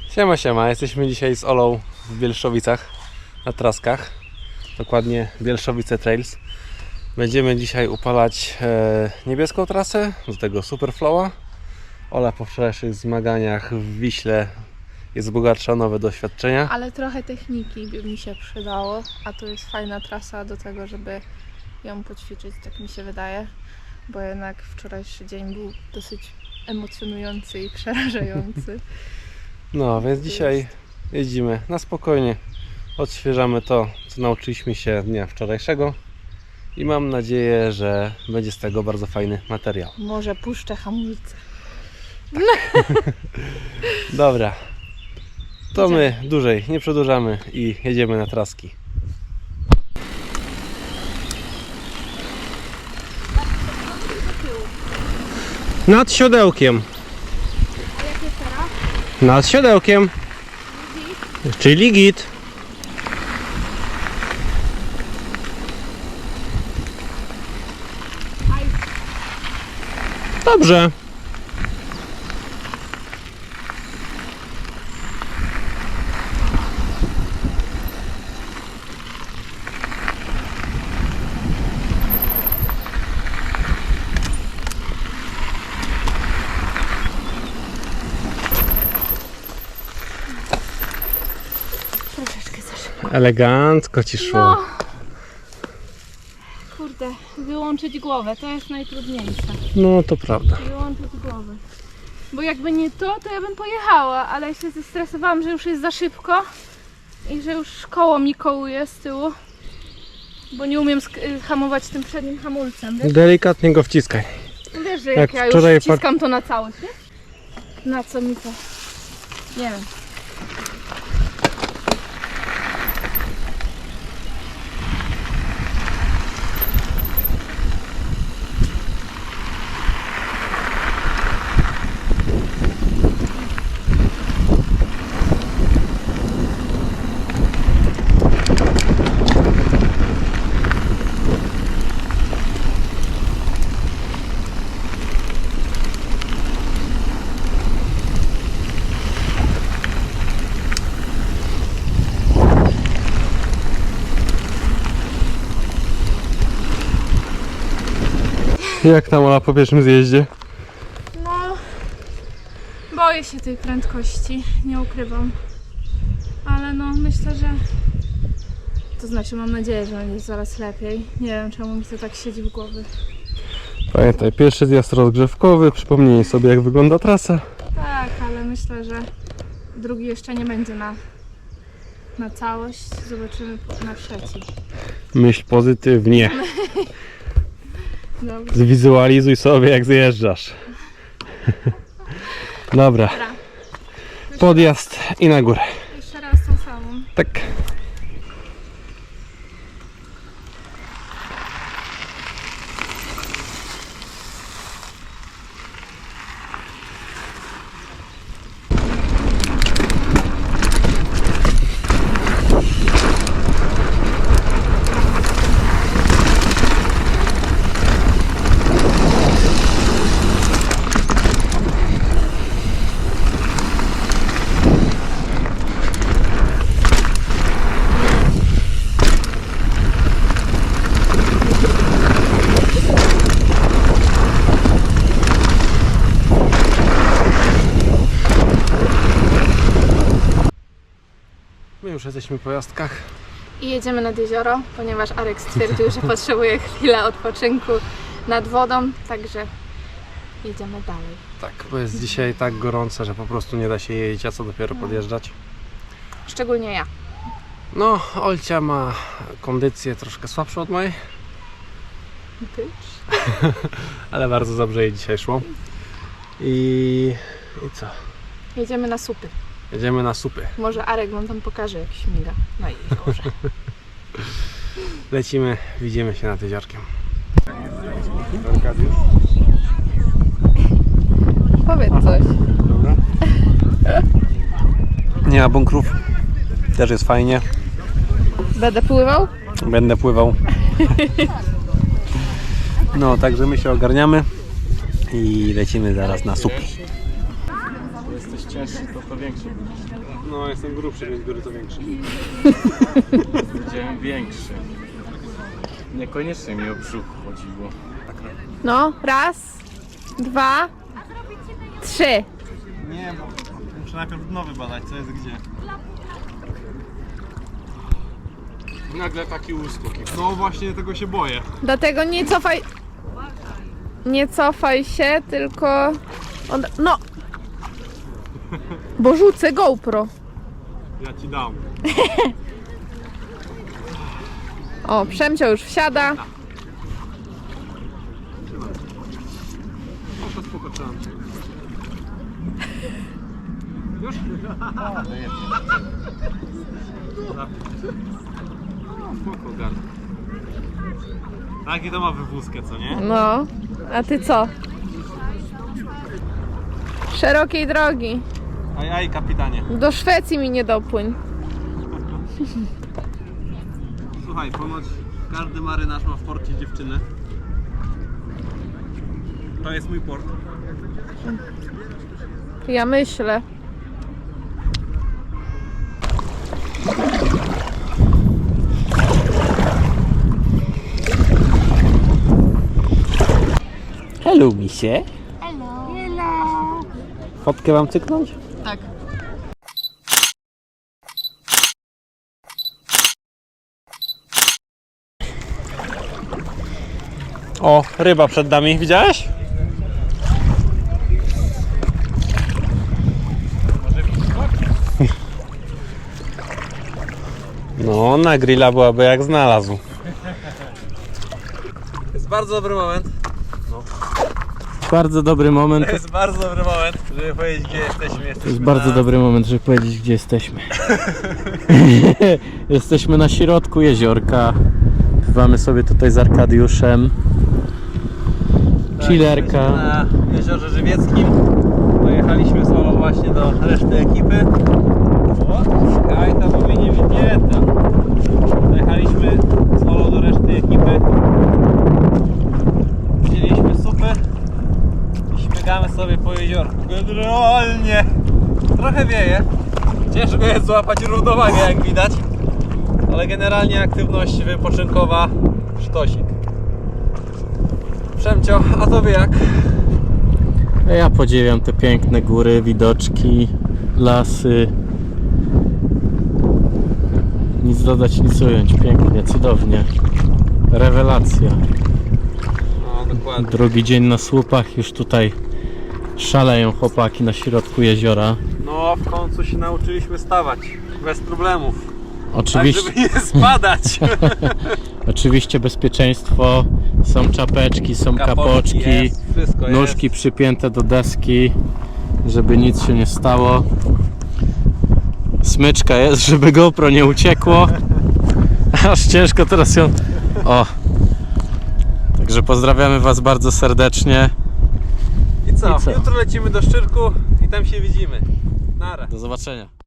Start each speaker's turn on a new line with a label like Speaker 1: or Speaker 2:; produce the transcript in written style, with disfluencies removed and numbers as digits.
Speaker 1: Siema, siema. Jesteśmy dzisiaj z Olą w Bielszowicach na traskach. Dokładnie Bielszowice Trails. Będziemy dzisiaj upalać niebieską trasę, do tego Superflowa. Ola po wczorajszych zmaganiach w Wiśle jest bogatsza o nowe doświadczenia.
Speaker 2: Ale trochę techniki by mi się przydało, a to jest fajna trasa do tego, żeby ją poćwiczyć, tak mi się wydaje. Bo jednak wczorajszy dzień był dosyć emocjonujący i przerażający.
Speaker 1: No, więc dzisiaj jeździmy na spokojnie. Odświeżamy to, co nauczyliśmy się dnia wczorajszego. I mam nadzieję, że będzie z tego bardzo fajny materiał.
Speaker 2: Może puszczę hamulce.
Speaker 1: Dobra. To my dłużej nie przedłużamy i jedziemy na traski. Nad siodełkiem.
Speaker 2: A jak jest teraz?
Speaker 1: Nad siodełkiem. Czyli git. Dobrze.
Speaker 2: Troszeczkę za szybko.
Speaker 1: Elegancko ci szło.
Speaker 2: No. Kurde, wyłączyć głowę, to jest najtrudniejsze.
Speaker 1: No to prawda.
Speaker 2: Wyłączyć głowę. Bo jakby nie to, to ja bym pojechała, ale się zestresowałam, że już jest za szybko i że już koło mi kołuje z tyłu, bo nie umiem hamować tym przednim hamulcem.
Speaker 1: Delikatnie go wciskaj.
Speaker 2: Wiesz, że
Speaker 1: Jak
Speaker 2: jak ja już
Speaker 1: wczoraj
Speaker 2: wciskam to na całość, nie? Na co mi to? Nie wiem.
Speaker 1: Jak tam Ola po pierwszym zjeździe?
Speaker 2: No, boję się tej prędkości, nie ukrywam. Ale no, myślę, że... To znaczy, mam nadzieję, że będzie zaraz lepiej. Nie wiem, czemu mi to tak siedzi w głowie.
Speaker 1: Pamiętaj, pierwszy zjazd rozgrzewkowy, przypomnij sobie jak wygląda trasa.
Speaker 2: Tak, ale myślę, że drugi jeszcze nie będzie na całość. Zobaczymy na trzeci.
Speaker 1: Myśl pozytywnie.
Speaker 2: Dobra.
Speaker 1: Zwizualizuj sobie jak zjeżdżasz. Dobra. Podjazd i na górę.
Speaker 2: Jeszcze raz tą samą.
Speaker 1: Tak. My już jesteśmy po jazdkach.
Speaker 2: I jedziemy nad jezioro, ponieważ Arek stwierdził, że potrzebuje chwilę odpoczynku nad wodą, także jedziemy dalej.
Speaker 1: Tak, bo jest dzisiaj tak gorąco, że po prostu nie da się jeździć, a co dopiero podjeżdżać.
Speaker 2: Szczególnie ja.
Speaker 1: No, Olcia ma kondycję troszkę słabszą od mojej, ale bardzo dobrze jej dzisiaj szło. I co?
Speaker 2: Jedziemy na supy.
Speaker 1: Jedziemy na supy.
Speaker 2: Może Arek wam tam pokaże, jak śmiga na jeziorze.
Speaker 1: Lecimy, widzimy się nad jeziorkiem.
Speaker 2: Powiedz coś.
Speaker 1: Dobra. Nie ma bunkrów. Też jest fajnie.
Speaker 2: Będę pływał?
Speaker 1: Będę pływał. No, także my się ogarniamy i lecimy zaraz na supy.
Speaker 3: cięższy, to większy.
Speaker 1: No, jestem grubszy, więc biorę to większe.
Speaker 3: Widziałem większy. Niekoniecznie mi o brzuch chodziło.
Speaker 2: No, raz, dwa, trzy.
Speaker 1: Nie, bo muszę najpierw nowy badać, co jest gdzie. Nagle taki uskok. No właśnie, tego się boję.
Speaker 2: Dlatego nie cofaj. Nie cofaj się, tylko. No! Bo rzucę GoPro.
Speaker 1: Ja ci dam.
Speaker 2: O, Przemcio już wsiada.
Speaker 1: O, to spoko, trzeba. Już? Spoko, gad. Taki to ma wywózkę, co nie?
Speaker 2: No, a ty co? Szerokiej drogi.
Speaker 1: Aj, kapitanie.
Speaker 2: Do Szwecji mi nie dopłyń.
Speaker 1: Słuchaj, ponoć każdy marynarz ma w porcie dziewczynę. To jest mój port.
Speaker 2: Ja myślę.
Speaker 1: Hello, misie. Hello. Fotkę wam cyknąć?
Speaker 2: Tak.
Speaker 1: O, ryba przed nami, widziałeś? No, na grilla byłaby jak znalazł. Jest bardzo dobry moment.
Speaker 3: Bardzo dobry moment.
Speaker 1: To jest bardzo dobry moment, żeby powiedzieć, gdzie jesteśmy.
Speaker 3: To jest bardzo dobry moment, żeby powiedzieć, gdzie jesteśmy. Jesteśmy na środku jeziorka. Pływamy sobie tutaj z Arkadiuszem. Chillerka.
Speaker 1: Na Jeziorze Żywieckim. Dojechaliśmy solo właśnie do reszty ekipy. O, Kajta mówi nie widzieta. Dojechaliśmy solo do reszty ekipy. Wzięliśmy supy i śmigamy sobie po jeziorku. Generalnie trochę wieje. Ciężko jest złapać równowagę, jak widać. Ale generalnie aktywność wypoczynkowa sztosik. Przemcio, a tobie jak?
Speaker 3: Ja podziwiam te piękne góry, widoczki, lasy. Nic dodać, nic ująć. Pięknie, cudownie. Rewelacja.
Speaker 1: No dokładnie.
Speaker 3: Drugi dzień na słupach, już tutaj szaleją chłopaki na środku jeziora.
Speaker 1: No w końcu się nauczyliśmy stawać bez problemów.
Speaker 3: Oczywiście,
Speaker 1: Tak, żeby nie spadać.
Speaker 3: oczywiście bezpieczeństwo, są czapeczki, są kapoczki,
Speaker 1: jest, wszystko
Speaker 3: nóżki
Speaker 1: jest.
Speaker 3: przypięte do deski, żeby nic się nie stało. Smyczka jest, żeby GoPro nie uciekło. Aż ciężko teraz ją... O! Także pozdrawiamy Was bardzo serdecznie.
Speaker 1: I co?
Speaker 3: I co?
Speaker 1: Jutro lecimy do Szczyrku i tam się widzimy. Nara.
Speaker 3: Do zobaczenia.